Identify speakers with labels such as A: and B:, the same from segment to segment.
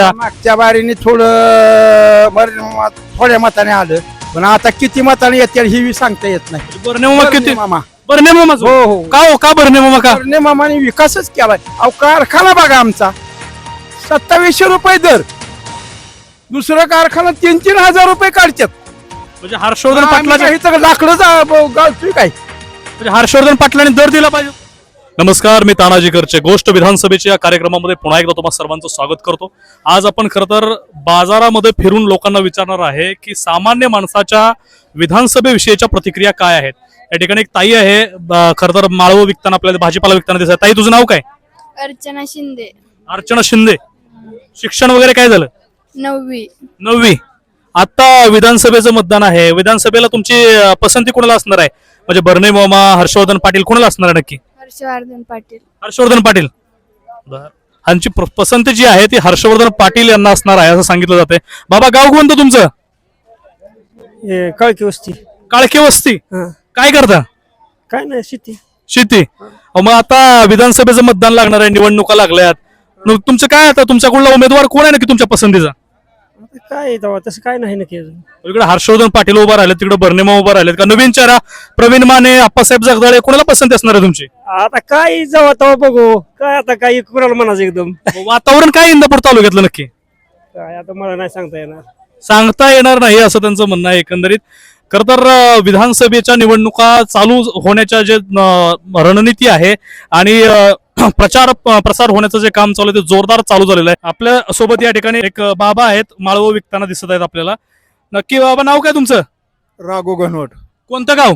A: मागच्या बारीने थोड्या मताने आलं, पण आता किती मताने येते ही सांगता येत नाही.
B: बर्ने मामा किती
A: मामा
B: बर्ने मामा
A: हो हो
B: का हो का बर्ने मामा का
A: बर्ने मामाने विकासच केलाय. अहो कारखाना बघा आमचा 2700 रुपये दर, दुसरा कारखाना 3-3 हजार रुपये काढतात.
B: म्हणजे हर्षवर्धन पाटलाच्या
A: लाकडं गाळतोय काय.
B: म्हणजे हर्षवर्धन पाटलांनी दर दिला पाहिजे. नमस्कार, मी तानाजी करचे गोष्ट विधानसभेच्या या कार्यक्रमामध्ये पुन्हा एकदा तुम्हा सर्वांचं स्वागत करतो. आज आपण खरं तर बाजारामध्ये फिरून लोकांना विचारणार आहे की सामान्य माणसाच्या विधानसभेविषयीच्या प्रतिक्रिया काय आहेत. या ठिकाणी एक ताई आहे, खरं तर माळव विकताना, आपल्याला भाजीपाला विकताना दिसत. ताई, तुझं नाव काय?
C: अर्चना शिंदे.
B: अर्चना शिंदे. शिक्षण वगैरे काय झालं?
C: 9वी.
B: आता विधानसभेचं मतदान आहे. विधानसभेला तुमची पसंती कोणाला असणार आहे? म्हणजे बर्ने मामा, हर्षवर्धन पाटील, कोणाला असणार आहे नक्की?
C: हर्षवर्धन पाटील.
B: हर्षवर्धन पाटील. ह्यांची पसंती जी आहे ती हर्षवर्धन पाटील यांना असणार आहे असं सांगितलं जाते. बाबा, गाव कोणतं तुमचं?
A: कळकी वस्ती.
B: काळके वस्ती. काय करता?
A: काय नाही,
B: शेती. मग आता विधानसभेचं मतदान लागणार आहे, निवडणुका लागल्यात. मग तुमचं काय, आता तुमच्याकडला उमेदवार कोण आहे नक्की तुमच्या पसंतीचा?
A: काय तसं काय नाही नक्की.
B: इकडे हर्षवर्धन पाटील उभा राहिले, तिकडे बर्ने मामा उभा राहिलेत. का नवीन चेहरा प्रवीण माने, आप्पासाहेब जगदाळे, कोणाला पसंती असणार आहे तुमची?
A: आता काय जाऊ तेव्हा बघू. काय आता काही कुणाला म्हणायचं एकदम.
B: वातावरण काय इंदापूर तालुक्यातलं नक्की?
A: काय आता मला नाही सांगता
B: येणार नाही असं त्यांचं म्हणणं आहे. एकंदरीत खरं तर विधानसभेच्या निवडणुका चालू होण्याच्या जे रणनीती आहे आणि प्रसार होण्याचं जे काम चालू आहे ते जोरदार चालू झालेलं आहे. आपल्या सोबत या ठिकाणी एक बाबा आहेत, माळव विकताना दिसत आहेत आपल्याला. नक्की बाबा, नाव काय तुमचं?
A: राघो घनवट.
B: कोणतं गाव?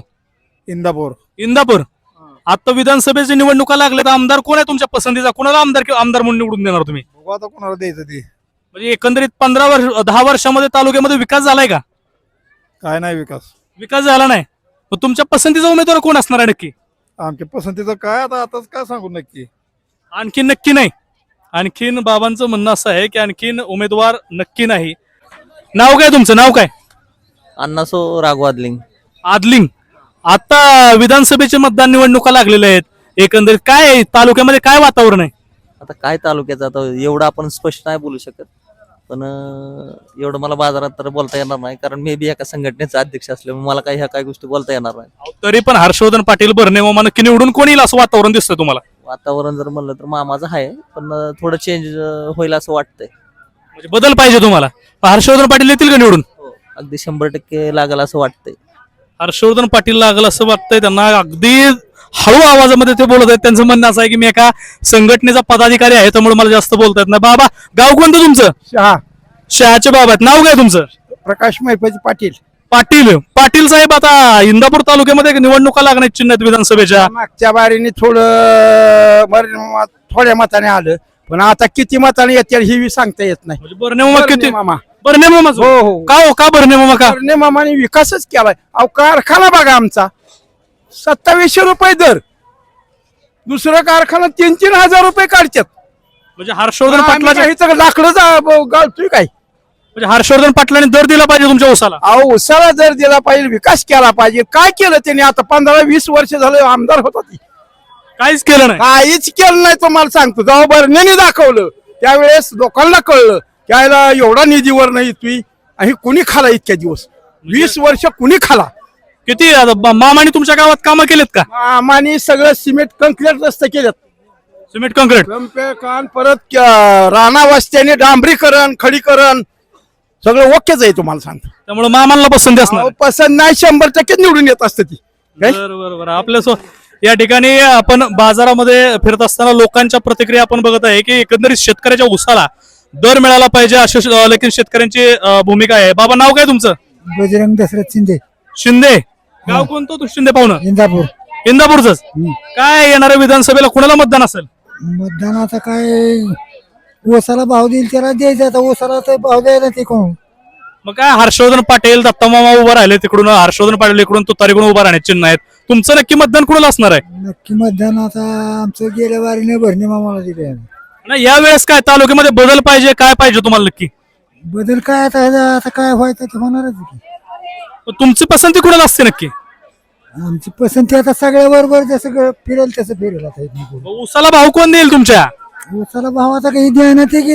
A: इंदापूर.
B: आता विधानसभेची निवडणुका लागल्या, तर आमदार कोण आहे तुमच्या पसंतीचा? कोणाला आमदार म्हणून निवडून देणार तुम्ही?
A: आता कोणाला द्यायचं ते?
B: म्हणजे एकंदरीत 10 वर्षामध्ये तालुक्यामध्ये विकास झालाय का?
A: काय नाही
B: विकास झाला नाही. मग तुमच्या पसंतीचा उमेदवार कोण असणार आहे नक्की?
A: आमच्या पसंतीचं काय आताच काय सांगू नक्की.
B: आणखीन नक्की नाही. आणखीन बाबांचं म्हणणं असं आहे की आणखीन उमेदवार नक्की नाही. नाव काय तुमचं? नाव काय?
D: अण्णासो राघवादलिंग.
B: आदलिंग. आता विधानसभेचे मतदान निवडणुका लागलेल्या आहेत. एकंदरीत काय तालुक्यामध्ये काय वातावरण आहे?
D: आता काय तालुक्याचं, आता एवढं आपण स्पष्ट नाही बोलू शकत, पण एवढं मला बाजारात तर बोलता येणार नाही, कारण मी बी एका संघटनेचा अध्यक्ष असल्यामुळे मला काही ह्या काही गोष्टी बोलता येणार नाही.
B: तरी पण हर्षवर्धन पाटील, बर्ने मामा नक्की निवडून कोण येईल असं वातावरण दिसतंय तुम्हाला?
D: वातावरण जर म्हणलं तर मामाचं आहे, पण थोडं चेंज होईल असं वाटतंय.
B: म्हणजे बदल पाहिजे तुम्हाला. हर्षवर्धन पाटील येतील का निवडून?
D: अगदी 100% लागेल असं वाटतंय.
B: हर्षवर्धन पाटील लागल असं वाटतंय त्यांना. अगदी हळू आवाजामध्ये ते बोलत आहेत. त्यांचं म्हणणं असं आहे की मी एका संघटनेचा पदाधिकारी आहे, त्यामुळे मला जास्त बोलता येत नाही. बाबा, गाव कोणतं तुमचं? शहाचे बाबा आहेत. नाव काय तुमचं?
A: प्रकाश महिपाजी पाटील.
B: पाटील साहेब, आता इंदापूर तालुक्यामध्ये निवडणुका लागण्याची चिन्ह आहेत विधानसभेच्या.
A: मागच्या बारीने थोड्या मताने आलं, पण आता किती मताने येते ही सांगता येत नाही.
B: म्हणजे बर्ने मामा किती?
A: मामा
B: बर्ने मामा.
A: हो हो
B: का हो का बर्ने मामा का
A: बर्ने मामाने विकासच केलाय. अहो कारखाना बघा आमचा 2700 रुपये दर, दुसरा कारखाना 3-3 हजार रुपये काढतात.
B: म्हणजे हर्षवर्धन पाटलाच्या
A: लाकडं गाळतोय काय.
B: म्हणजे हर्षवर्धन पाटलांनी दर दिला पाहिजे तुमच्या उसाला.
A: अहो उसाला दर दिला पाहिजे, विकास केला पाहिजे. काय केलं त्यांनी? आता 15-20 वर्ष झालं आमदार होता ती,
B: काहीच केलं नाही.
A: काहीच केलं नाही. तुम्हाला सांगतो, जेव्हा बर्नेने दाखवलं त्यावेळेस लोकांना कळलं की याला एवढा निधीवर नाही तुम्ही, आणि कुणी खाला इतक्या दिवस, 20 वर्ष कुणी खाला.
B: किती मामाने तुमच्या गावात कामं केलेत का?
A: आम्हाने सगळं सिमेंट कंक्रीट रस्ते केलेत.
B: Cement concrete.
A: परत राणा वस्त्याने डांबरीकरण, खडीकरण सगळं ओकेच आहे. तुम्हाला सांगतो,
B: त्यामुळे मामांना पसंती असणार.
A: अहो, पसंत नाही, 100% निवडून येत असते ती.
B: बरोबर. आपल्या या ठिकाणी आपण बाजारामध्ये फिरत असताना लोकांच्या प्रतिक्रिया आपण बघत आहे की एकंदरीत शेतकऱ्याच्या उसाला दर मिळाला पाहिजे अशी लेकिन शेतकऱ्यांची भूमिका आहे. बाबा, नाव काय तुमचं?
E: बजरंग दशरथ
B: शिंदे. गाव कोणतं तू शिंदे पाहुणं? इंदापूरच. काय येणाऱ्या विधानसभेला कुणाला मतदान असेल?
E: मतदानाचा काय, ओसाला भाव देईल त्याला द्यायचा. आता ओसाला तर भाव द्यायला ते कोण?
B: मग काय, हर्षवर्धन पाटील, दत्ता मामा उभा राहिले तिकडून, हर्षवर्धन पाटील इकडून, तुतारीकडून उभा राहण्याचे चिन्ह आहेत. तुमचं नक्की मतदान कुणाला असणार आहे?
E: नक्की मतदान आता आमचं गेल्या वारीने भरणे मामाला दिले.
B: नाही, या वेळेस काय तालुक्यामध्ये बदल पाहिजे, काय पाहिजे तुम्हाला नक्की?
E: बदल काय आता काय व्हायचं ते होणारच की.
B: तुमची पसंती कुणाला असते नक्की?
E: आमची पसंती आता सगळ्या बरोबर जसं फिरेल तसं फिरेल. आता
B: उसाला भाव कोण देईल तुमच्या?
E: ओसाला भाव आता काही द्यायला ते की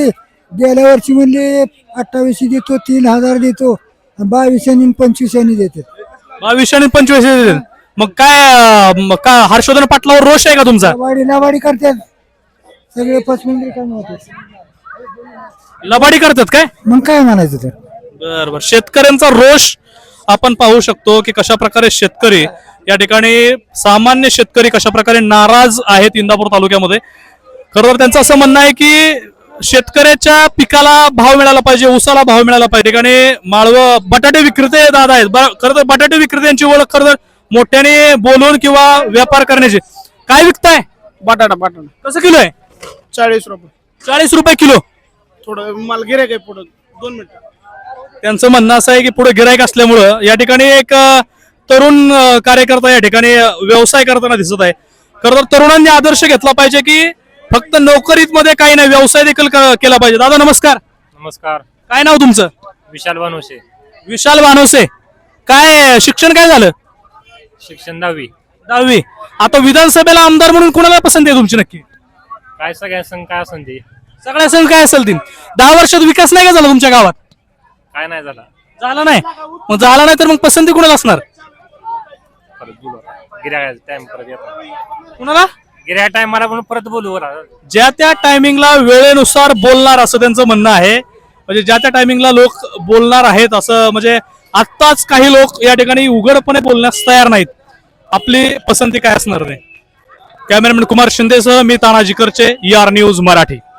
E: गेल्या वर्षी म्हणले 28 देतो 3,000 देतो 22 आणि 25 देतात
B: 22 आणि 25. मग काय हर्षवर्धन पाटलावर रोष आहे का तुमचा?
E: लबाडी करतात सगळे फसवेगिरी काम होते.
B: लबाडी करतात काय?
E: मग काय म्हणायचं तर
B: बरोबर. शेतकऱ्यांचा रोष आपण पाहू शकतो की कशा प्रकारे शेतकरी या ठिकाणी सामान्य शेतकरी कशा प्रकारे नाराज आहेत इंदापूर तालुक्यामध्ये. खरं तर त्यांचं असं म्हणणं आहे की शेतकऱ्याच्या पिकाला भाव मिळाला पाहिजे, ऊसाला भाव मिळाला पाहिजे. ठिकाणी माळव बटाटे विक्रेते दादा आहेत. खरं तर बटाटे विक्रेत्यांची ओळख खरं तर मोठ्याने बोलून किंवा व्यापार करण्याची. काय विकताय?
A: बटाटा
B: कसं किलो आहे?
A: 40 रुपये.
B: 40 रुपये किलो.
A: थोडं माल गिऱ्हाईक आहे पुढं 2 मिनिटं.
B: त्यांचं म्हणणं असं आहे की पुढे गिराईक असल्यामुळं या ठिकाणी एक तरुण कार्यकर्ता या ठिकाणी व्यवसाय करताना दिसत आहे. खरं तर तरुणांनी आदर्श घेतला पाहिजे की फक्त नोकरीत मध्ये काही नाही, व्यवसाय देखील केला पाहिजे. दादा नमस्कार.
F: नमस्कार.
B: काय नाव तुमचं?
F: विशाल वानोसे.
B: विशाल वानोसे. काय शिक्षण काय झालं?
F: शिक्षण 10वी.
B: 10वी. आता विधानसभेला आमदार म्हणून कोणाला पसंती आहे तुमची नक्की?
F: काय सगळ्या संघ काय असेल ते
B: सगळ्या संघ काय असेल ती 10 वर्षात विकास नाही का झाला तुमच्या गावात?
F: काय नाही झाला.
B: झाला नाही. मग झाला नाही तर मग पसंती कुणाला असणार?
F: परत बोलू गिऱ्हाईक टाइम परत येतो.
B: कुणाला?
F: गिऱ्हाईक टाइम मला म्हणून परत बोलू बरं.
B: ज्या त्या टायमिंगला वेळेनुसार बोलणार असं त्यांचं म्हणणं आहे. म्हणजे ज्या त्या टायमिंगला लोक बोलणार आहेत असं, म्हणजे आत्ताच काही लोक या ठिकाणी उघडपणे बोलण्यास तयार नाहीत. आपली पसंती काय असणार नाही. कॅमेरामॅन कुमार शिंदेसह मी तानाजी करचे, ER न्यूज मराठी.